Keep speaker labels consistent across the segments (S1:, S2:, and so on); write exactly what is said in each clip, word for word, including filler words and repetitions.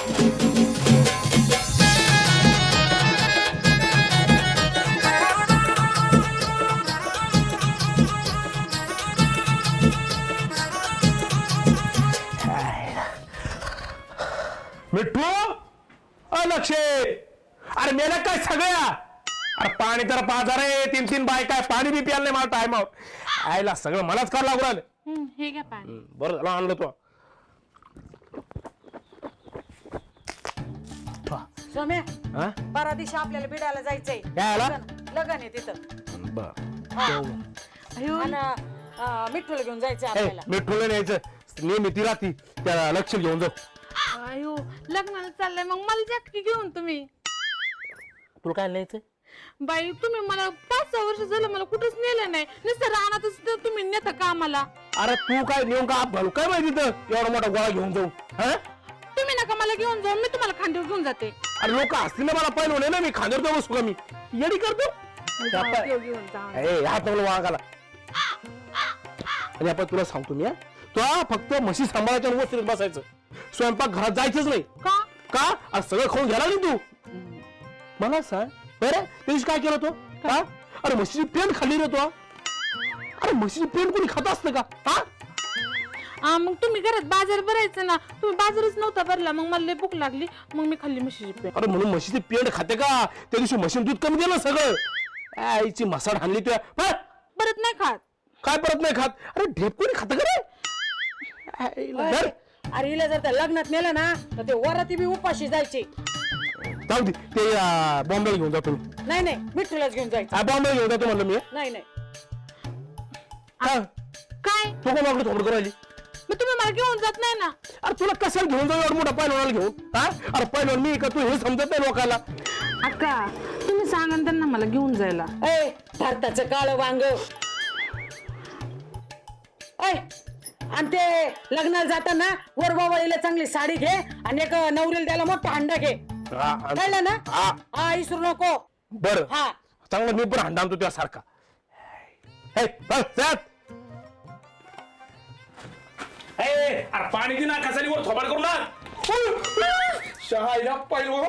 S1: मिठू अलक्षे अरे मेला काय सगळ्या अरे पाणी तर पाच रे तीन तीन बाय काय पाणी बी प्यायला नाही मला टाइम आयला सगळं मलाच कर लागू राहिलं.
S2: हे घ्या पाणी.
S1: बरं झालं आणलं तो.
S3: सोम्या
S1: हा
S3: बारा दिवशी आपल्याला बिडाला जायचंय.
S1: काय आला
S3: लग्न आहे तिथं.
S1: बर
S2: अयो
S3: आणि मिठूला घेऊन जायचं आपल्याला.
S1: मिठूला न्यायचं नेहमी ती राहती त्या लक्ष घेऊन जाऊ.
S2: अयो लग्नाला चाललंय मग मला जाकी घेऊन तुम्ही.
S1: तुला काय न्यायचं
S2: बाई तुम्ही मला पाच सहा वर्ष झालं मला कुठंच नेलं नाही नुसतं रानातच तर तुम्ही नेता का आम्हाला.
S1: अरे तू काय नेऊन का घालू काय माहिती तर एवढा मोठा गोळा घेऊन जाऊ. हा
S2: तुम्ही नका मला घेऊन जाऊ मी तुम्हाला खांद्यावर घेऊन जाते.
S1: अरे लोक असतील ना मला पाहिलं होणे ना मी खांद्यावर जाऊ बसू का मी येडी करतो.
S2: घेऊन घेऊन जा.
S1: ए हात नको वाघाला. आणि आपण तुला सांगतो मी तू फक्त म्हशी सांभाळायच्या वस्तीत बसायचं स्वयंपाक घरात जायचंच नाही.
S2: का
S1: का अरे सगळं खाऊन घ्यायला नाही तू. मला सांग बरं त्या दिवशी काय केलं तो हा अरे म्हशीची पेंड खाल्ली रे तो. अरे म्हशीची पेंड कोणी खात असतं का हा
S2: आ, मग तुम्ही घरात बाजार भरायचं ना तुम्ही बाजारच नव्हता भरला मग मला लय भूक लागली मग मी खाल्ली म्हशीची पेंड.
S1: अरे म्हणून म्हशीची पेंड खाते का त्या दिवशी म्हशीन दूध कमी दिलं सगळं आईची मसाड हाणली तुया.
S2: परत नाही खात.
S1: काय परत नाही खात अरे ढेप कोणी खात का रे. आईला धर.
S3: अरे हिला जर त्या लग्नात नेलं ना तर ते वराती बी उपाशी जायचे.
S1: जाऊ दे ते बॉम्बेला घेऊन जातो.
S3: नाही नाही मिठूलाच घेऊन जायचं.
S1: बॉम्बेला घेऊन जातो म्हणलं मी.
S3: नाही नाही
S1: हा
S2: काय
S1: तो कोण मागणं थोडं करायली.
S2: मग तुम्ही मला घेऊन जात नाही ना.
S1: अरे तुला कशाला घेऊन जाऊ एवढा मोठा पैलवानाला घेऊन हा अरे पैलवान मी का तू हे समजत नाही लोकांना.
S2: अक्का तुम्ही सांगा त्यांना मला घेऊन जायला.
S3: ए भारताचं काळं वांग. ऐ आणि ते लग्नाला जाताना वरबावळीला चांगली साडी घे आणि एक नवरीला त्याला मोठा हंडा घे. कळलं ना.
S1: हा
S3: हा इसरू नको.
S1: बर
S3: हा
S1: चांगलं मी पण हंडा आणतो त्यासारखा. अरे पाणी दे ना कसाली वर थोबाड करू ना शहा पैलवान.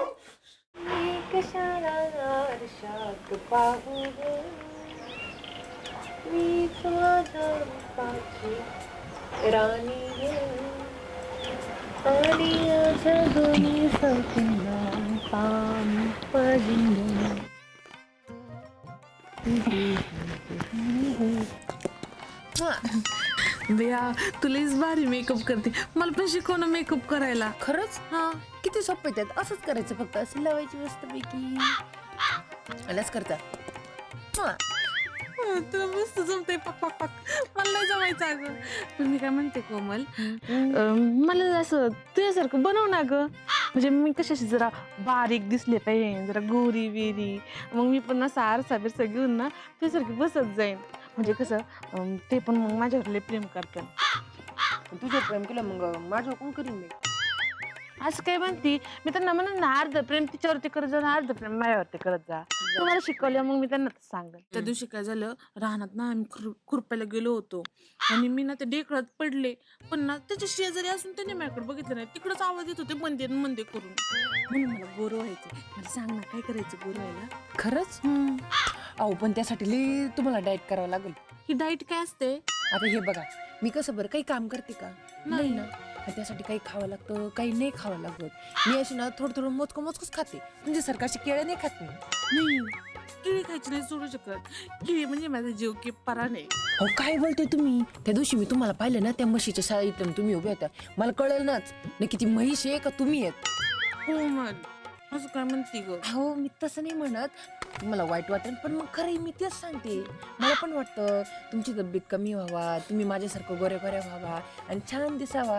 S2: बिया तुलाच भारी मेकअप करते मला पण शिकव ना मेकअप करायला.
S4: खरंच
S2: हा
S4: किती सोपं त्यात असंच करायचं फक्त अशी लावायची मस्तपैकी आलाच करता. हा
S2: तुला मस्त जमते पक पक पक मला नाही जमायचं अगं. पण मी काय म्हणते कोमल अं, मला असं तुझ्यासारखं बनव ना ग. म्हणजे मी कशाशी जरा बारीक दिसले पाहिजे जरा गोरी बिरी मग मी पण असं आरसा बिरसा घेऊन ना तुझ्यासारखी बसत जाईन. म्हणजे कसं अं, ते पण मग माझ्यावर लय प्रेम करतात.
S4: तुझं प्रेम केलं मग माझं कोण करीन मी.
S2: असं काय म्हणती मी त्यांना म्हणून ना अर्ध प्रेम तिच्यावरती करत जा अर्ध प्रेम माझ्यावरती करत जा. तुम्हाला शिकवलं मग मी त्यांना सांगेन. त्या दिवशी काय झालं रानात ना आम्ही खुर खुरपायला गेलो होतो आणि मी ना ते डेकळात पडले पण ना त्याच्या शेजारी असून त्याने माझ्याकडे बघितलं नाही तिकडच आवाज येत होते मंदे मंदे करून. म्हणून मला गोरं व्हायचं. मला सांग ना काय करायचं गोरं व्हायला.
S4: खरंच अहो पण त्यासाठी लई तुम्हाला डाएट करावं लागेल.
S2: ही डाईट काय असते.
S4: आता हे बघा मी कसं बरं काही काम करते का नाही ना त्यासाठी काही खावं लागतं काही नाही खावं लागत. मी अशी ना थोडं थोडं मोजकं मोजकंच खाते म्हणजे सरकारची केळं नाही खात मी.
S2: नाही केळी खायची नाही सोडू शकत. केळी म्हणजे माझा जीव की परा नाही.
S4: अहो काय बोलतोय तुम्ही. त्या दिवशी मी तुम्हाला पाहिलं ना त्या म्हशीच्या शाळेत तुम्ही उभ्या होत्या मला कळलं नाच नक्की ती म्हैस आहे का तुम्ही आहेत.
S2: हो मग असं काय म्हणते ग.
S4: हो मी तसं नाही म्हणत मला वाईट वाटेल पण मग खरं मी तेच सांगते. मला पण वाटतं तुमची तब्येत कमी व्हावा तुम्ही माझ्यासारखं गोऱ्या गोऱ्या व्हावा आणि छान दिसावा.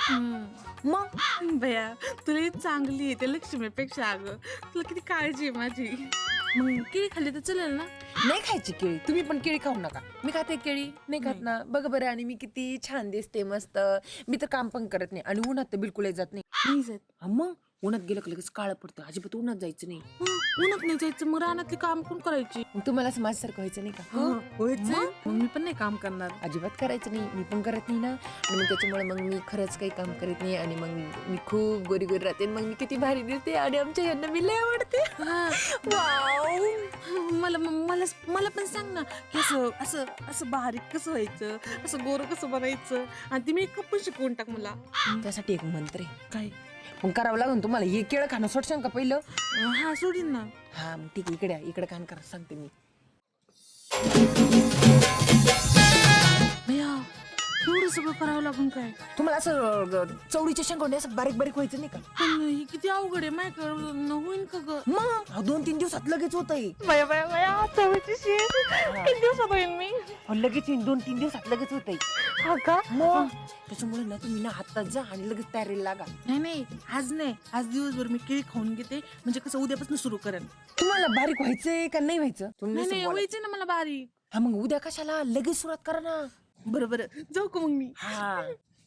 S2: मग भया तुला चांगली आहे त्या लक्ष्मीपेक्षा अगं तुला किती काळजी आहे माझी. मग केळी खाल्ली तर चालेल ना.
S4: नाही खायची केळी तुम्ही पण केळी खाऊ नका. मी खाते केळी नाही खात ना बघ बरं. आणि मी किती छान दिसते मस्त. मी तर काम पण करत नाही आणि उन्हात तर बिलकुल जात नाही.
S2: नाही जात.
S4: मग उन्हात गेलं का लगेच काळं पडतं, अजिबात उन्हात जायचं नाही.
S2: हं, उन्हात नाही जायचं, मग रानातली काम कोण करायची?
S4: मग तुम्हाला असं माझ्यासारखं व्हायचं नाही का?
S2: मग मग मी पण नाही काम करणार.
S4: अजिबात करायचं नाही, मी पण करत नाही ना. आणि मग त्याच्यामुळे मग मी खरंच काही काम करत नाही आणि मग मी खूप गोरी गोरी राहते. मग मी किती भारी दिसते आणि आमच्या यांना मी लय आवडते.
S2: वाव, मला मला मला पण सांग ना की असं असं असं बारीक कसं व्हायचं, असं गोरं कसं बनायचं, आणि ती मेकअप पण शिकवून टाक मला.
S4: त्यासाठी एक मंत्र आहे.
S2: काय?
S4: मग करावं लागून तुम्हाला. हे केळं खाणं सोडशाल का पहिलं?
S2: हा सोडीन ना.
S4: हा मग ठीक आहे, इकडे या, इकडे कान करा सांगते मी.
S2: भैया एवढं सगळं करावं लागून काय?
S4: तुम्हाला असं अं, चवळीच्या शेंगोंडे असं बारीक बारीक व्हायचं नाही का?
S2: पण ही किती अवघड आहे, माझ्याकडं होईन का ग?
S4: मग अहो, दोन तीन दिवसात लगेच होतंय.
S2: बया बया बया, चवळीची शेंग किती दिवसात होईन मी?
S4: अहो, लगेच येईन, दोन तीन दिवसात लगेच होतंय.
S2: हा का?
S4: मग त्याच्यामुळे ना तुम्ही ना हातात जा आणि लगेच तयारीला लागा.
S2: नाही नाही, आज नाही, आज दिवसभर मी केळी खाऊन घेते, म्हणजे कसं उद्यापासून सुरू करेन.
S4: तुम्हाला बारीक व्हायचंय का नाही व्हायचं? तुम्ही
S2: नाही
S4: नुसतं
S2: नाही,
S4: बोला.
S2: व्हायचं ना मला बारीक.
S4: हा मग उद्या कशाला, लगेच सुरुवात करा ना.
S2: बरं बरं, जाऊ का मग मी?
S4: हा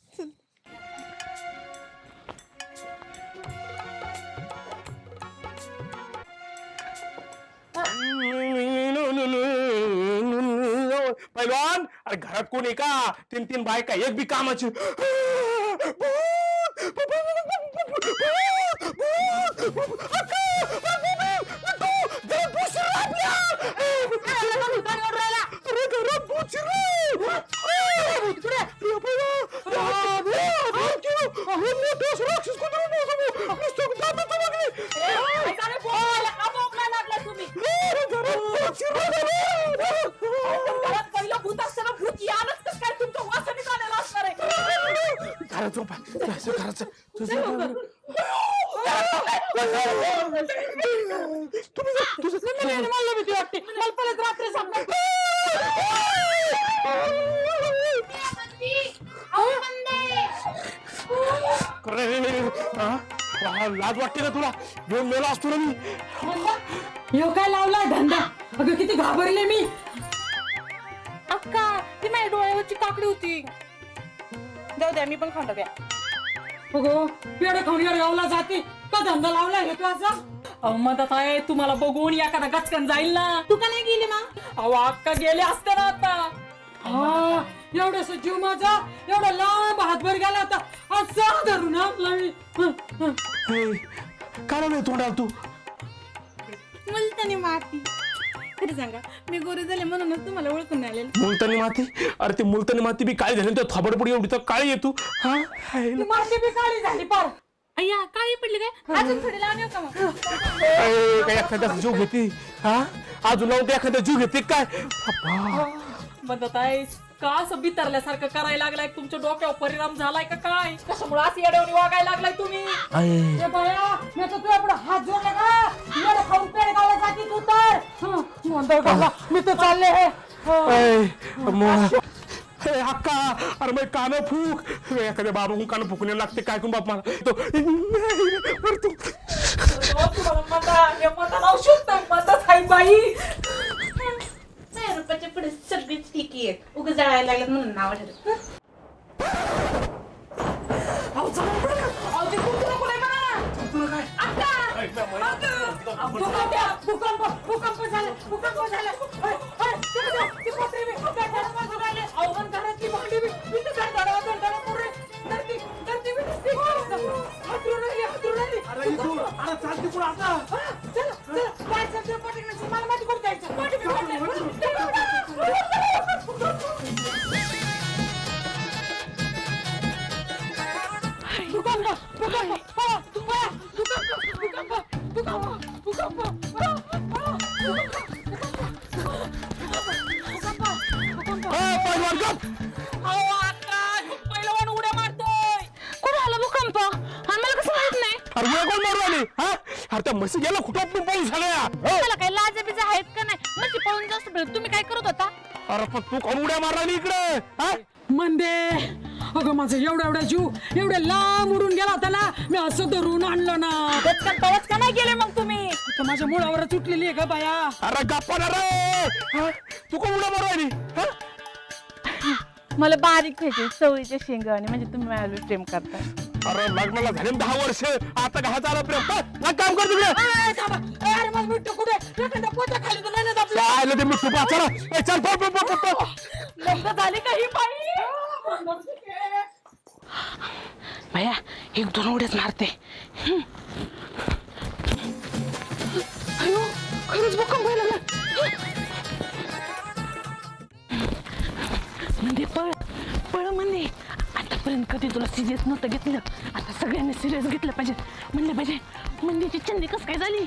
S1: पैलवान, अरे घरात कोण आहे का? तीन तीन बायका, एक बी कामाची. लाज वाटते ना तुला? घेऊन मेला असतो ना मी.
S3: ह्यो काय लावलाय धंदा? अगं किती घाबरले मी.
S2: अक्का, ती माझ्या डोळ्यावरची काकडी होती. जाऊ द्या, मी पण खाऊन टाकूया.
S3: अगो पेढे खाऊन या गावला जाते का? धंदा लावलाय हे तू असा? अहो मदत आहे, तुम्हाला बघून एखादा गचकन जाईल ना.
S2: तू का नाही गेली मग?
S3: अहो अक्का गेले असते ना आता. हा एवढस जीव माझा एवढा लांब हातभर गेला होता, असा धरून आपला मी.
S1: काय नाही तोंडाला तू?
S2: मुलतानी माती. खरी सांगा, मी गोरी झाले म्हणूनच तुम्हाला ओळखून नाही आलेलं.
S1: मुलतानी माती? अरे ते मुलतानी माती बी काय झाली, थोबडपडी एवढी तर काळी येतो. हा
S3: ती माती बी काळी झाली पार.
S2: अय्या, काळी पडली काय? अजून थोडी लावणी का मग?
S1: ए, काय एखाद्या जीव घेते? हा अजून लावून ते एखाद्या जीव घेते काय? अप्पा.
S3: मदत आहे का? असं बितरल्यासारखं करायला लागलाय, तुमच्या डोक्यावर परिणाम झालाय का काय? कशामुळे असं येड्यावणी वागायला लागलाय तुम्ही? ए बाया, मी तर तुझ्या पुढे हात जोडले का? येडे खाऊन पेढे गावाला जाती तू तर. हं, म्हणतोय गावाला, मी तर चालले हे.
S1: ए, मग हे हक्का, अरे मग कान फूक. एखाद्या बाबा कान फुकणे लागते काय करून बाप मला तो. अरे तू
S3: तुम्हाला मता हे मता लावू शकतो. मदत आहे बाई.
S2: नाही, रुपयाच्या पुढे सगळीच ठीक आहे. उगाच जळायला लागल्यात म्हणून नाव ठरत.
S3: अहो चला पुढे. अहो ते कुत्रा पुढे बघा. तुला काय? अक्का! अक्का! भूकंप भूकंप भूकंप झाला. भूकंप झाला. ओय, ओय, ते बघा, ते पत्रे बी गटारात वाजून राहिले. अहो पण घरातली भांडी बी इथं गटारा गटारा पुढे. धरती धरती बी दिसते. हातरून राहिली, हातरून राहिली.
S1: अरे चालते पुढे आता.
S3: हा, चला, चला. काय चालतंय पाठीमागे? मला माहिती कुठे जायचं. पाठी बी पडले. भूकंप भूकंप पळा, पळा. भूकंप भूकंप भूकंप भूकंप
S1: पैलवान गप.
S3: अहो अक्का, पहिलवान उड्या मारतोय.
S2: कुठं आला भूकंप? आम्हाला कसं माहित नाही?
S1: अरे उड्या कोण मारू आली? हा अरे त्या म्हशी गेला कुठं पण पाऊस झाला.
S2: त्याला काही लाजा बिजा आहेत का नाही? म्हणजे पळून जास्त भेट. तुम्ही काय करत होता?
S1: अरे पण तू कोण उड्या मारला इकडे? हा
S3: मंदे, अगं माझं एवढा एवढा जीव एवढ्या लांब उडून गेला होता ना, मी असं धरून आणलं ना. गचकन पवच का नाही गेले मग तुम्ही? तर माझ्या मुळावर सुटलेली आहे का बाया?
S1: अरे गप्पा ना रे. हा? तू कोण उड्या मारू आली? हा?
S2: मला बारीक व्हायचे चवळीच्या शेंगाने, म्हणजे तुम्ही माझ्यावर प्रेम करता.
S1: अरे लग्नाला झाले ना दहा वर्ष आता काय झालं प्रेम हा, हा, काम कर तिकडे
S3: ए, थांबा. ए, अरे मग मिठू कुठे एखादा पोता खाली तर नाही ना दाबलं.
S1: काय आलं ते मी तुपा चला ए, चल पळ, पळ, पळ, पळ, पळ.
S3: लग्न झाली काही बाई
S2: भैया एक दोन उड्याच मारते अयो खरंच भूकंप व्हायला लागला म्हणजे पळ पळ म्हणजे आतापर्यंत कधी तुला सिरियस नव्हतं घेतलं आता सगळ्यांनी सिरियस घेतलं पाहिजे म्हणलं पाहिजे मंदीची चंदी कस काय झाली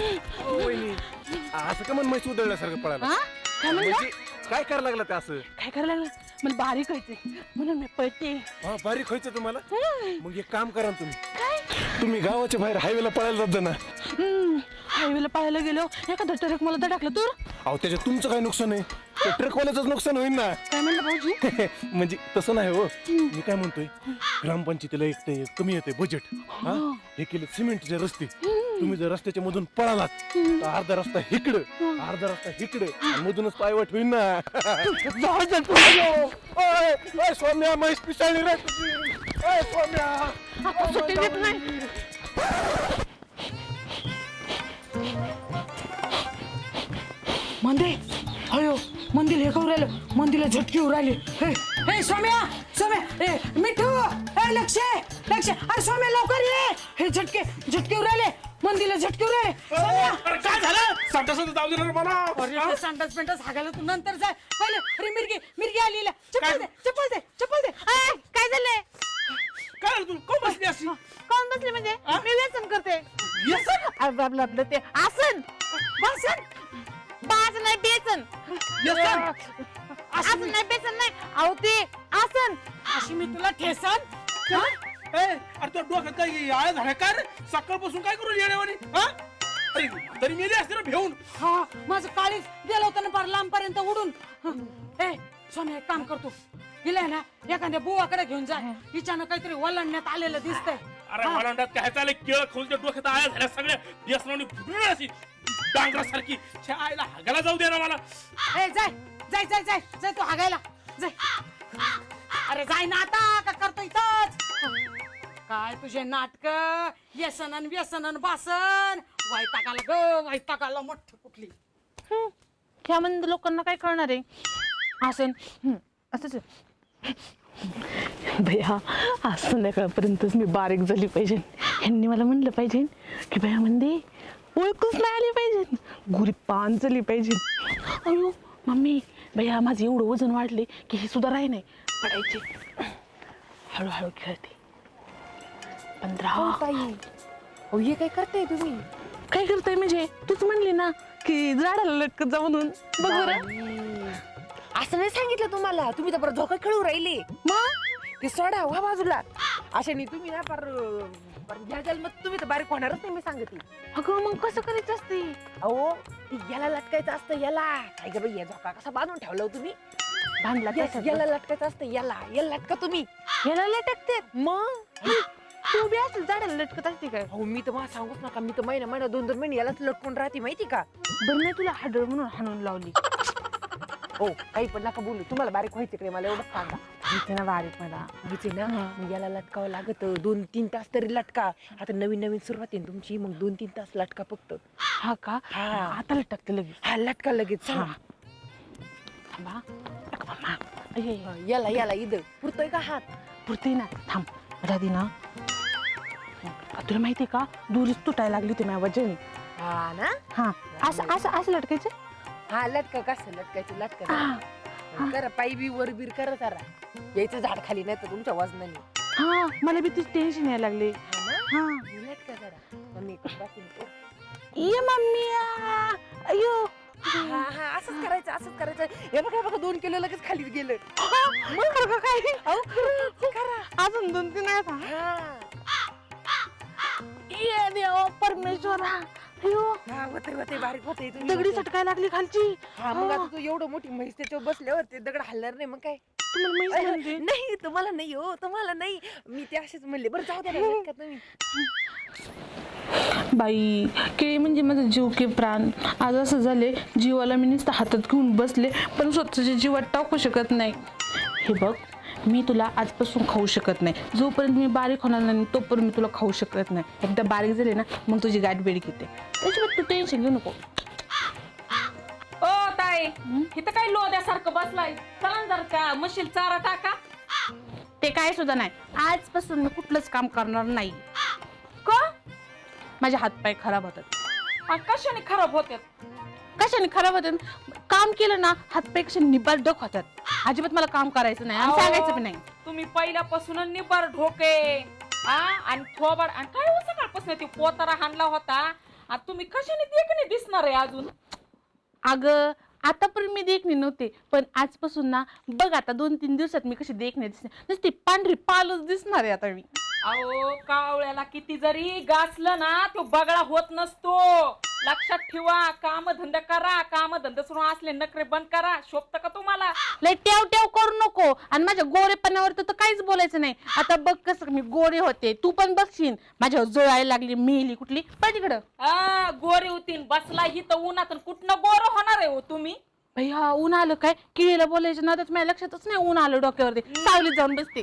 S1: असं का मन म्हैस उधळल्यासारखं पळायला
S2: हा? काय म्हणला?
S1: म्हणजे काय करायला लागलं ते असं
S2: काय करायला लागलं मला बारीक व्हायचंय म्हणून मी पळते
S1: हा बारीक व्हायचं तुम्हाला मग एक काम करा ना तुम्ही
S2: काय
S1: तुम्ही गावाच्या बाहेर हायवेला पळायला जात जा ना
S2: हायवेला पाहायला गेलो एखादा ट्रक मला धडकलं तर
S1: अहो त्याच्यात तुमचं काय नुकसान आहे ते ट्रकवाल्याचंच नुकसान होईल ना
S2: काय म्हणलं भाऊजी
S1: म्हणजे तसं नाही हो मी काय म्हणतोय ग्रामपंचायतीला एक ते कमी येते बजेट हा हे केले सिमेंटचे रस्ते तुम्ही जर रस्त्याच्या मधून पळालात तर अर्धा रस्ता इकडं अर्धा रस्ता इकडं आणि मधूनच पायवाट होईल ना ओय, ओय, सौम्या म्हैस पिसाळली रे तुझी. ओय, सौम्या
S2: आता सुट्टी देत नाही
S3: मंदे अयो मंदिर हे करू राहिलं मंदिरला झटकी उर राहिली हे हे सौम्या सौम्या ए मिठू ए लक्ष लक्ष अरे सौम्या लवकर ये हे झटके झटके उर राहिले मंदिरला झटके उर राहिले सौम्या
S1: अरे काय झालं संडासात जाऊ दे रे मला
S3: अरे संडास पेंटास हागायला तू नंतर जाय पहिले अरे मिरगी मिरगी आली चप्पल दे चप्पल दे चप्पल दे
S2: अय, काय झालंय
S1: काय झालं तू कोण बसली अशी
S2: कोण बसले म्हणजे मी व्यसन करते आपलं आपलं आपलं ते आसन
S3: बसन
S2: बाज नाही बेसन आसन नाही बेसन नाही अहो ते आसन
S3: अशी मी तुला ठेसन हा?
S1: अरे तो डोक्यात काय आळ झाला का रे सकाळपासून काय करू येण्यावानी हा अरे तरी मेली असते ना भेऊन
S3: हा माझं काळीच गेलं होतं ना फार लांब पर्यंत उडून ए सोन्या एक काम करतो गेलाय ना एखाद्या बुवाकडे घेऊन जा हिच्यानं काहीतरी वलंडण्यात आलेलं दिसतंय
S1: अरे मला काय चाललंय केळ खोलच्या डोक्यात आळ्या झाल्या सगळ्या व्यसनाने फुटून अशी डांगरासारखी छे आईला हागायला जाऊ दे ना मला
S3: ए जाय जाय जाय जाय जाय तू हागायला जाय अरे जाय ना आता का करतो इथंच काय तुझे नाटक व्यसन अन व्यसन अन बासन वैतागाला ग वैतागाला मोठ कुठली
S2: ह्या म्हणजे लोकांना काय कळणार आहे आसन हम्म, असंच आहे. भैया आज संध्याकाळपर्यंतच मी बारीक झाली पाहिजे ह्यांनी मला म्हणलं पाहिजे की भैया म्हणजे ओळखूच नाही आली पाहिजे गुरी पान झाली पाहिजे अयो मम्मी भैया माझं एवढं वजन वाढले की हे सुद्धा राही नाही पडायचे हळूहळू खेळते पंधरा
S4: अहो हे काय करताय तुम्ही
S2: काय करताय म्हणजे तूच म्हणली ना की झाडाला लटकत जा म्हणून बघ बरं
S4: असं नाही सांगितलं तुम्हाला तुम्ही तर बरं झोका खेळू राहिले मग ते सोडा वा बाजूला अशाने तुम्ही ना पर ह्या जन्मात तुम्ही तर बारीक होणारच नाही मी सांगते
S2: अगं मग कसं करायचं असते
S4: अहो ती याला लटकायचं असतं याला काय ग बाई या झोका कसा बांधून ठेवला हो तुम्ही
S2: बांधला
S4: Yes, याला लटकायचं असतं याला याला लटका तुम्ही
S2: याला लटकते
S4: मग
S2: तू बी असं झाडाला लटकत असते काय
S4: हो मी तर मला सांगूच नका मी तर महिना महिना दोन दोन महिने यालाच लटकून राहते माहिती का
S2: बरं नाही तुला हाडळ म्हणून हाणून लावली
S4: हो काही पण नका बोलू तुम्हाला बारीक व्हायचं कडे मला एवढंच सांगा
S2: माहिती ना बारीक मला
S4: व्हायचे ना मग याला लटकावं लागत दोन तीन तास तरी लटका आता नवीन नवीन सुरुवात आहे ना तुमची मग दोन तीन तास लटका फक्त
S2: हा का
S4: हा.
S2: आता लटकते लगेच
S4: हा लटका लगेच चला.
S2: हा. थांबा टाक मामा. अये,
S4: हा, याला याला इथं पुरतोय का हात
S2: पुरते ना थांब राधी ना तुला माहिती का दुरीच तुटायला लागली होती माझ्या वजन
S4: हा ना
S2: हा असं असं असं लटकायचं
S4: हा लटका कसं लटकायचं लटका
S2: हा
S4: करा पायी बी वर बीर करा जरा यायचं झाड खाली नाही तर तुमच्या वजनाने
S2: हा मला बी तीच टेन्शन यायला लागले
S4: हा ना
S2: हा
S4: मी लटका जरा मग मी दाखवून देतो.
S2: ये मम्मी अयो
S4: हा हा असंच करायचं असंच करायचं हे बघा हे बघा दोन किलो लगेच खाली गेलं
S2: मग काय
S4: अहो खरंच, करा
S2: अजून दोन तीन आहेत हा.
S4: हा
S2: ये देवा परमेश्वरा अयो
S4: हा होते होते बारीक होते
S2: दगडी सटकाय लागली खालची
S4: हा मग आता तू एवढं मोठी म्हैस त्याच्यावर बसल्यावर ते दगड हलणार नाही मग काय
S2: तुम्हाला माहिती म्हणजे
S4: नाही तुम्हाला नाही हो तुम्हाला नाही मी ते असेच म्हणले बरं जाऊ द्या ना, लटका तुम्ही
S2: बाई केळी म्हणजे माझा जीव के प्राण आज असं झाले जीवाला मी नुसतं हातात घेऊन बसले पण स्वतःच्या जीवात टाकू शकत नाही हे बघ मी तुला आजपासून खाऊ शकत नाही. जोपर्यंत मी बारीक होणार नाही तोपर्यंत मी तुला खाऊ शकत नाही. एकदा बारीक झाले ना मग तुझी गाठ बेडीक येते. त्याच्यामुळे तू टेन्शन घेऊ नको.
S3: ओ ताई इथं काय लोद्यासारखं बसलाय, चला ना जरा त्या म्हशील चारा टाका.
S2: ते काय सुद्धा नाही. आजपासून मी कुठलंच काम करणार नाही.
S3: का
S2: माझे हातपाय खराब होतात.
S3: आणि कशाने खराब होत्यात?
S2: कशाने खराब होतात? काम केलं ना हातपाय कसे निबाडक होतात. अजिबात मला काम करायचं नाही आणि
S3: अहो,
S2: सांगायचं पण नाही.
S3: तुम्ही पहिल्यापासून निबार ढोके आ आणि थोबाड आणि काय हो सकाळपासून ते पोतारा हाणला होता आणि तुम्ही कशाने देखणे दिसणार आहे अजून?
S2: अगं आतापर्यंत मी देखणे नव्हते पण आजपासून ना बघ आता दोन तीन दिवसात मी कशी देखणे दिसते. नुसती पांढरी पालच दिसणार आहे आता मी.
S3: अहो कावळ्याला किती जरी गासलं ना तो बगळा होत नसतो. लक्षात ठेवा. काम धंदा करा. काम धंदा सुरू असले नखरे बंद करा. शोभत का तुम्हाला?
S2: लय टेव टेव करू नको. आणि माझ्या गोरेपणावर तर काहीच बोलायचं नाही. आता बघ कसं मी गोरे होते. तू पण बघशील माझ्यावर जोळायला लागली मेली कुठली पण तिकडं.
S3: आ गोरे होतीन बसला ही तर उन्हात कुठनं गोर होणार आहे हो तुम्ही?
S2: भैया ऊन आलं काय किडीला बोलायचं ना तर माझ्या लक्षातच नाही ऊन आलं डोक्यावरती. सावलीत जाऊन बसते.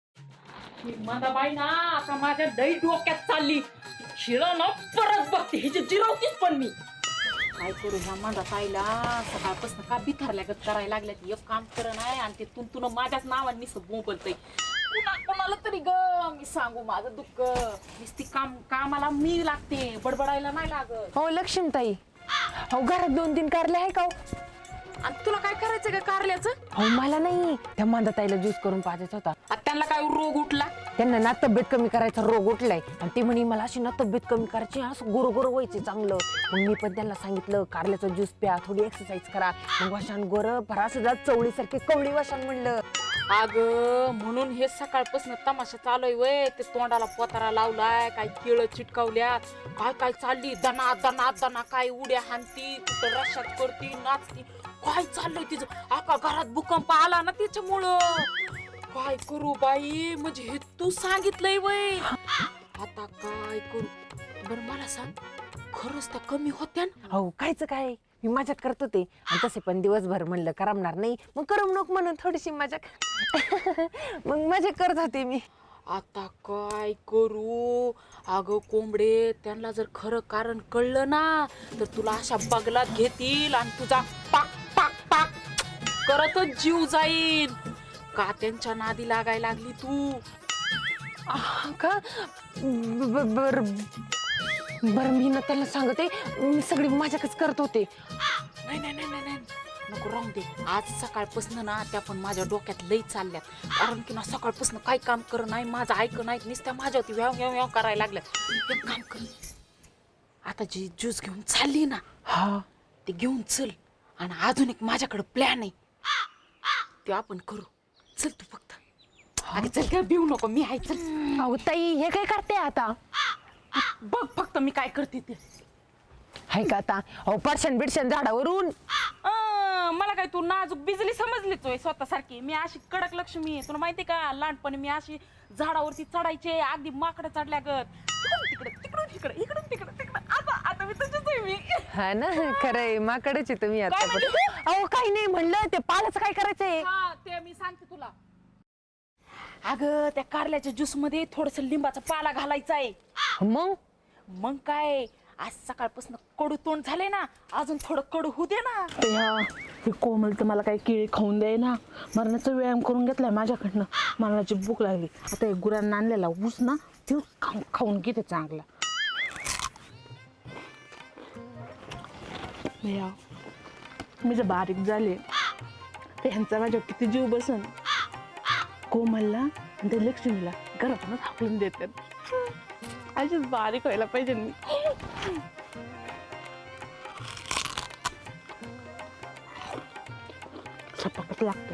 S3: बाई ना आता माझ्या दही डोक्यात चालली. शिळं ना परत बघते हिची जिरवतीच पण मी. काय करू ह्या माझा ताईला सकाळपासून का बिथरल्यागत करायला लागल्या. एक काम कर नाही आणि ते तुमतून माझ्याच नावाने बोलतय. कुणा कोणाला तरी ग मी सांगू माझं दुःख. नुसती काम कामाला मी लागते बडबडायला नाही लागत.
S4: हो लक्ष्मीताई, हो घरात दोन तीन कारले आहे का हो?
S3: आणि तुला काय करायचं का कारल्याचं?
S4: हो मला नाही, त्या मांदाताईला ज्यूस करून पाजायचा होता.
S3: आता त्यांना काय रोग उठला?
S4: त्यांना ना तब्येत कमी करायचा रोग उठलाय आणि ती म्हणे मला अशी ना तब्येत कमी करायची, असं गोरो गोरो व्हायचे चांगलं. मग मी पण त्यांना सांगितलं कारल्याचा ज्यूस प्या, थोडी एक्सरसाइज करा. मग वाशान गोर भरा सुद्धा चवळीसारखे कवळी वाशान म्हणलं.
S3: अग म्हणून हे सकाळपासून तमाशा चालू आहे वय. ते तोंडाला पोतारा लावलाय, काय केळ चिटकावल्यात, काय काय चालली दना दना दना, काय उड्या हाणती, कुठं रशात करती नाचती, काय चाललंय तिचं. आका घरात भूकंप आला ना त्याच्यामुळं. काय करू बाई, म्हणजे हे तू सांगितलंय वय. आता काय करू बरं मला सांग, खरंच त्या कमी होत्या ना?
S4: हो कायच काय, मी मजाक करत होते आणि तसे पण दिवसभर म्हणलं करमणार नाही, मग करमणूक म्हणून थोडीशी मजाक. मग मजाक करत होते मी.
S3: आता काय करू अगं कोंबडे, त्यांना जर खरं कारण कळलं ना तर तुला अशा बगलात घेतील आणि तुझा पाक पाक पाक करतच जीव जाईल. का त्यांच्या नादी लागायला लागली तू?
S4: आह, का ब- बर बर मी ना त्याला सांगते, मी सगळी मजाकच करत होते.
S3: नाही नाही नाही नाही नको राहून दे. आज सकाळपासून ना त्या पण माझ्या डोक्यात लई चालल्यात. कारण की ना सकाळपासून काही काम कर नाही, माझं ऐक नाही, नुसत्या माझ्यावरती व्याव व्याव व्याव करायला लागल्यात. एक काम कर, आता जी ज्यूस घेऊन चालली ना
S4: हा
S3: ते घेऊन चल. आणि अजून एक माझ्याकडे प्लॅन आहे, ते आपण करू. चल तू फक्त. अरे चल काय भिऊ नको, मी आहे. चल
S4: अहो ताई हे काय करते आता?
S3: बघ फक्त मी काय करते ते.
S4: हाय का आता? अहो परशन बिडशन झाडावरून.
S3: अं, मला काय तू नाजूक बिजली समजलीच होय स्वतःसारखी. मी अशी कडक लक्ष्मी आहे, तुला माहिती का? लहानपणी मी अशी झाडावरती चढायचे, अगदी माकडं चढल्यागत. तिकडे तिकडून तिकडे इकडून तिकडे तिकडे. आता आता मी तुझीच आहे मी.
S4: हा ना, खरंय माकडेच आहे तुम्ही आता
S3: काय
S4: पण.
S3: म्हणते?
S4: अहो काही नाही म्हणलं, ते पालाचं काय करायचंय?
S3: हा ते मी सांगते तुला. अगं त्या कारल्याच्या ज्यूस मध्ये थोडस लिंबाचा पाला घालायचा आहे.
S4: मग
S3: मग काय, आज सकाळपासून कडू तोंड झाले ना, अजून थोडं कडू होऊ दे ना.
S2: भैया हे कोमल तर मला काही केळी खाऊन द्याय ना. मरणाचा व्यायाम करून घेतलाय माझ्याकडनं. मरणाची भूक लागली. आता एक गुरांना आणलेला ऊस ना ते खाऊन खाऊन घेते चांगला. भैया मी जर बारीक झाले तर ह्यांचा माझ्या किती जीव बसन. कोमलला आणि त्या लक्ष्मीला घरातूनच हाकलून देतात. अशीच बारीक व्हायला पाहिजे मी. सपकच लागतं.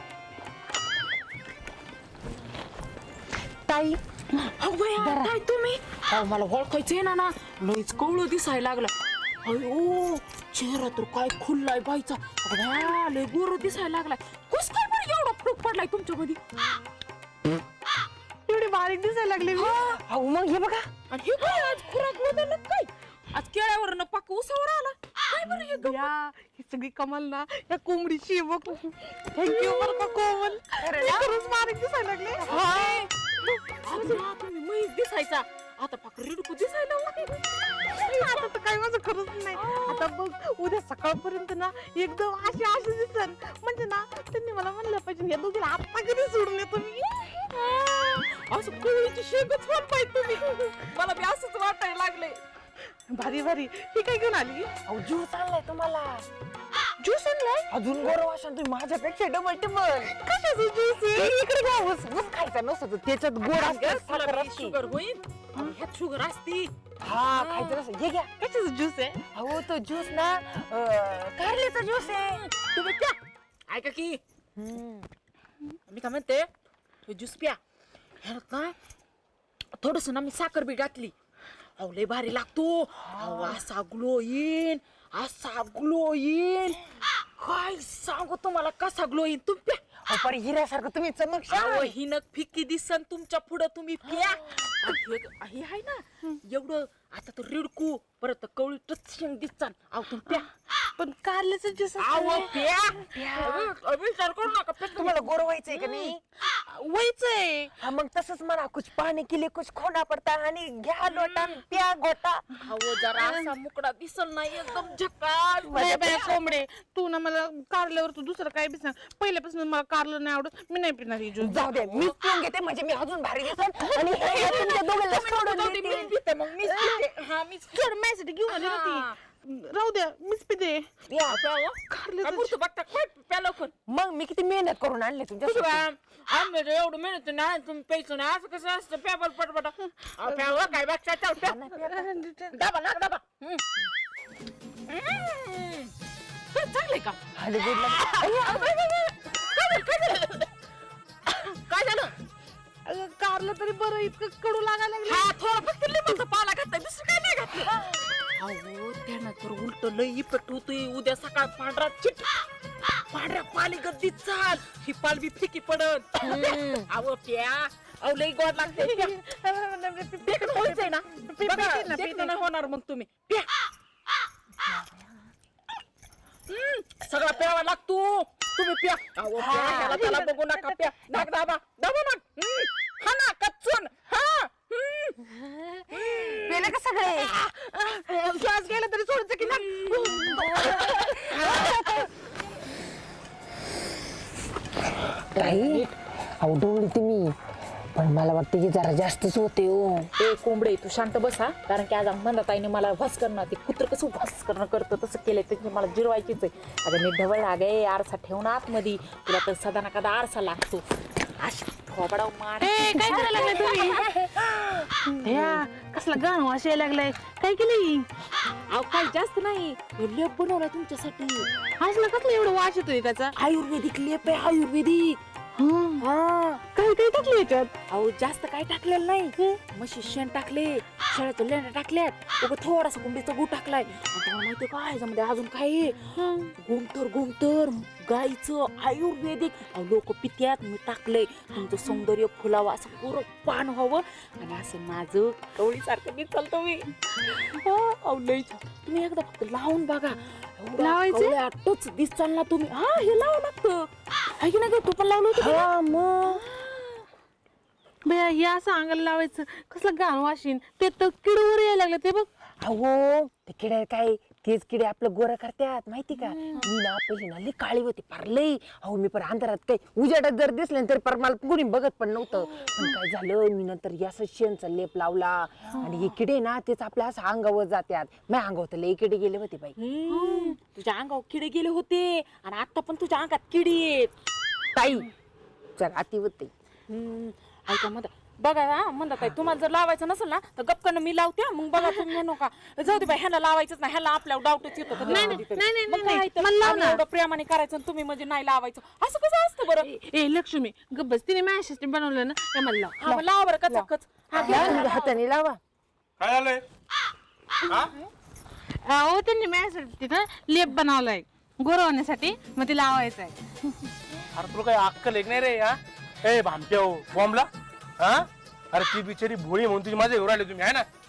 S4: ताई
S3: अगं काय तुम्ही? अहो मला ओळखायचंय ना ना, लईच कवळं दिसायला लागलं. अयो चेहरा तर काय खुललाय बाईचा. अगं बाया, लय गोर दिसायला लागलाय. कस काय बरं एवढा फरक पडलाय तुमच्यामध्ये?
S2: एवढी बारीक दिसायला लागली मी.
S4: अहो मग हे बघा,
S3: आणि हे काय आज खुराक बदललं काय? आज केळ्यावर पाक उसावर आला काय बरं हे गं?
S2: या, हे सगळी कमाल ना या कोंबडीची आहे बघ. थँक्यू बरं का कोमल. मी खरंच बारीक दिसायला लागले.
S3: आता तुम्ही म्हैस दिसायचा आता पाक रिडकू दिसायला लागली.
S2: आता तर काही माझं खरंच नाही. आता बघ उद्या सकाळपर्यंत ना एकदम अशी अशी दिसन म्हणजे ना त्यांनी मला म्हणलं पाहिजे या दोघीला आता कधी सोडून येतो मी.
S3: असं कोळीची शेंगच पण पाहिजे तुम्ही. मला बी असंच वाटायला लागले.
S2: भारी भारी. ही काय घेऊन आली?
S4: अहो ज्यूस आणलाय तुम्हाला.
S2: ज्यूस आणलाय?
S4: अजून गोरं वाशन तुम्ही माझ्यापेक्षा डबल टिबल.
S2: कशाचं ज्यूस आहे?
S4: इकडे घ्या ऊस ऊस खायचा नसतो त्याच्यात गोड असतं, साखर असते.
S3: शुगर होईल ह्यात शुगर असती.
S4: हा खायचं नसतं. हे घ्या.
S2: कशाचं ज्यूस आहे?
S4: अहो तो ज्यूस ना अं, कारल्याचा ज्यूस आहे.
S3: तुम्ही प्या. ऐका की मी काय म्हणते तो ज्यूस प्या. ह्यात ना थोडस ना मी साखर बी घातली. अहो लय भारी लागतो. अहो असा ग्लो येईन असा ग्लो येईन काय सांगू तुम्हाला कसा ग्लो येईन. तुम्ही प्या.
S4: अहो, पण हिऱ्यासारखं तुम्ही चमकशाल.
S3: अहो ही नग फिक्की दिसन तुमच्या पुढं तुम्ही प्या. आणि हे हे आहे ना एवढं आता तर रिडकू परत कवळी टचशिंग दिसतात. अहो तुम्ही प्या.
S2: पण कारल्याचं ज्यूस
S3: अहो प्या. अहो, विचार करू नका प्या तुम्ही.
S4: तुम्हाला गोर व्हायचंय का नाही?
S2: व्हायचंय.
S4: हा मग तसंच म्हणा. कुछ पाणी केले कुछ खोना पडता आणि घ्या लोटा प्या गोटा.
S3: अहो जरा असा मुकडा दिसल नाही एकदम झकास.
S2: बाय बाय कोंबडे तू ना मला कारल्यावर तू दुसरं काय बी सांग. पहिल्यापासून मला कारलं नाही आवडत. मी नाही पिणार ही ज्यूस.
S4: जाऊ दे मीच पिऊन घेते म्हणजे मी अजून भारी दिसन आणि हे हे तुमच्या दोघांना सोडून
S3: जाऊ दे,
S4: देते.
S3: मीच पिते मग मीच पिते. हा मीच
S2: सोड माझ्यासाठी घेऊन आली ना ती. राहू द्या मीच पिते.
S4: या.
S2: कारल्याचं
S3: पुढचं बघता काय प्या लवकर.
S4: मग मी किती मेहनत करून आणले तुमच्या
S3: आम्ही एवढं मेहनत नाही तुम्ही प्यायचं नाही असं कसं असतं पेपर पटपटा. प्यावं काय बघता चाल प्या. डबा ना डबा. हम्म. हम्म. चांगलंय का काय झालं?
S2: अगं, कारलं तरी बरं इतकं कडू लागायला लागलं.
S3: हा थोडा फक्त लिंबाचा पाला घातलाय दुसरं काय नाही घातलं. अहो त्यानं तर उलट लय इफेक्ट होतोय. उद्या सकाळ पांढरा चिट पांढऱ्या पाली गद्दी चाल ही पाल बी फिकी पडत. अहो प्या. अहो लय गोड लागते. देखणं व्हायचंय ना बघा, देखणं नाही होणार मग तुम्ही प्या. हम्म, सगळा प्यावा लागतो तुम्ही प्या. अहो प्या ह्याला त्याला बघू नका प्या. नाक दाबा दाबा नाक. हम्म, हा ना कच्चून हा.
S4: पेले का सगळे
S2: श्वास गेला तरी सोडायचं की
S4: ताई अहो डोळी तुम्ही पण मला वाटतं की जरा जास्तच होते हो.
S3: ए कोंबडे तू शांत बसा. कारण की आज म्हणताईने मला भस करणं ते कुत्र कसं भस करणं करतं तसं केलंय ते मला जिरवायचीच आहे. आता मी ढवळ लागे आरसा ठेवून आतमध्ये तुला तर सदा ना कदा आरसा लागतो. अशी थोबडाव मार.
S2: काय करायला लागलाय तुम्ही? या कसला गाण वाश यायला लागलाय. काय केलंय?
S3: अहो काही जास्त नाही हे लेप बनवला तुमच्यासाठी.
S2: असला कसला एवढं वाश येतोय त्याचा?
S3: आयुर्वेदिक लेप आहे आयुर्वेदिक.
S2: हा काय काय टाकलं याच्यात?
S3: अहो जास्त काय टाकलेलं नाही. म्हशी शेण टाकले शेळ्याच्या लेण्या टाकल्यात उगा थोडासा कोंबडीचा गू टाकलाय. तुम्हाला माहितीये का ह्याच्यामध्ये अजून काय आहे? गोमतर गोमतर गाईचं आयुर्वेदिक. अहो लोक पित्यात मी टाकलंय तुमचं सौंदर्य फुलावं असं पुरं पान व्हावं आणि असं माझं कवळीसारखं मी चालतो मी. अहो लई छान. तुम्ही एकदा फक्त लावून बघा.
S2: लावायचं?
S3: टच दिसचाल ना तुम्ही. हा हे लावा लागतं आहे की नाही? तू पण लावलं होतं
S4: हा मग
S2: बया हे असं अंगाला लावायचं कसलं घाण वाशीन. ते तर किडवर यायला लागलं ते बघ.
S4: अहो ते किडे काय तेच किडे आपलं गोरं करतात माहिती का. मी ना पहिली ना लई काळी होती पार लई. अहो मी पर अंधारात काही उजेडात जर दिसले तर पर मला कोणी बघत पण नव्हतं. पण काय झालं मी नंतर असं शेणचा लेप लावला आणि हे किडे ना तेच आपल्या असं अंगावर जातात. माझ्या अंगावर लई किडे गेले होते बाई.
S3: तुझ्या अंगावर किडे गेले होते आणि आता पण तुझ्या अंगात किडी आहेत
S4: ताई जर अति होते.
S3: ऐका म्हणता बघा हा म्हणता काय तुम्हाला जर लावायचं नसेल ना तर गपकन मी लावते. मग बघा तुम्ही म्हणू का जाऊ दे बाई ह्याला लावायचंच नाही. ह्याला आपल्याला डाऊटच येतो कधी
S2: नाही,
S3: कधी तरी.
S2: नाही, नाही,
S3: मग
S2: नाही,
S3: काय तर
S2: मला लाव
S3: आम्ही
S2: ना.
S3: एवढं प्रेमाने करायचं आणि तुम्ही म्हणजे नाही लावायचं असं कसं असतं बरं.
S2: ए लक्ष्मी गब्बस तिने माझ्यासाठी बनवलं ना हे मला लाव.
S3: हा मग लावा बरं कचा कच.
S4: लावा, हाताने लावा.
S1: काय झालंय? हा?
S2: अहो त्यांनी माझ्यासाठी ना लेप बनवलाय गोरवण्यासाठी मग ते लावायचं आहे.
S1: अरे तुला काय अक्कल एक नाही रे. हा ए भामट्या बॉम्बला. हा अरे ती बिचारी भोळी म्हणून तुझी माझ्या घेऊन आले तुम्ही आहे ना.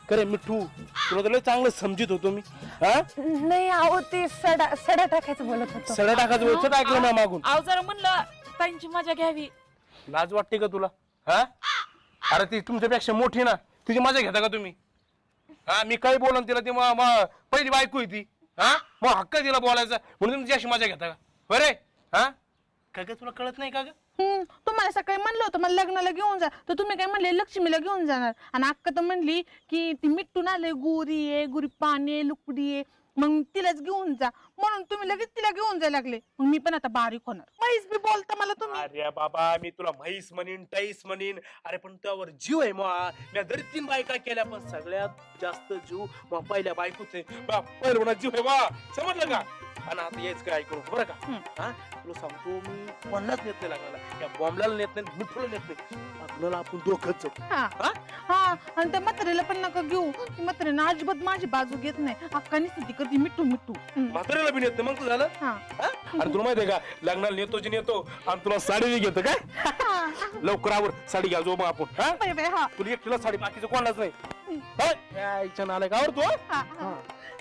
S1: करे मिठू तुला तर लय चांगलं समजित होतो मी हा
S4: नाही अहो ते सडा सडा टाकायचं बोलत होतो.
S1: सडा टाकायचं वेळच ऐकलं ना मागून.
S3: अहो जरा म्हणलं ताईंची मजा घ्यावी.
S1: लाज वाटते का तुला हा अरे ती तुमच्यापेक्षा मोठी ना तिची मजा घेता का तुम्ही हा मी काही बोलन तिला ती म- म- पहिली बायको आहे ती हा मग हक्क आहे तिला बोलायचा म्हणून तुम्ही अशी मजा घेता का बरे हा काय काय तुला कळत नाही का ग
S2: हम्म, तुम्हाला सकाळी म्हणलं होतं मला लग्नाला घेऊन जा तर तुम्ही काय म्हणले लक्ष्मीला घेऊन जाणार आणि अक्का तर म्हणली की ती मिठून आले गोरी आहे गोरी पाणी आहे लुकडी आहे मग तिलाच घेऊन जा म्हणून तुम्ही लगेच तिला घेऊन जायला लागले मग मी पण आता बारीक होणार म्हैस बी बोलता मला तुम्ही.
S1: अरे बाबा मी तुला म्हैस म्हणीन टाईस म्हणीन अरे पण त्यावर जीव आहे मग मी जरी तीन बायका केल्या पण सगळ्यात जास्त जीव मग पहिल्या बायकोच आहे पहिल्या जीव आहे बा समजलं का आणि आता यायच काय ऐकू नको बरं का हा तुला सांगतो मी कोणालाच नेत नाही लागला या बॉम्बला नेत नाही मिठूला नेत नाही आपल्याला आपण दोघंच जाऊ.
S2: हा
S1: हा?
S2: हा आणि त्या म्हातारीला पण नका घेऊ ती म्हातारीनं अजिबात माझी बाजू घेत नाही अक्कानी स्थिती करते मिठू मिठू हम्म.
S1: म्हातारीला बी नेत नाही मग तू झालं
S2: हा
S1: हा? आणि तुला माहितीये का लग्नाला नेतो जी नेतो आणि तुला साडी घेतो काय लवकर आवर साडी घ्या जो मग आपण हा
S2: बाय बाय हा
S1: तुला एकटीला साडी बाकीचं कोणालाच नाही हा? या इच्छा नालाय का आवडतो
S2: हा, हा.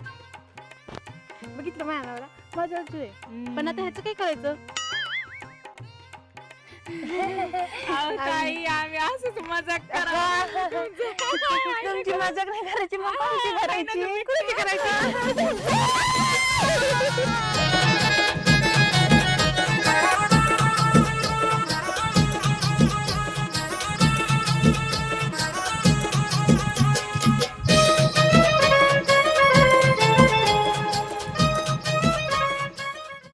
S2: बघितलं माझ्या नवरा माझ्या जीव आहे पण आता ह्याचं काय करायचं
S3: अहो, ताई आम्ही असंच मजाक करा.
S4: तुमची मजाक नाही करायची मग कोणती करायची?
S2: करायची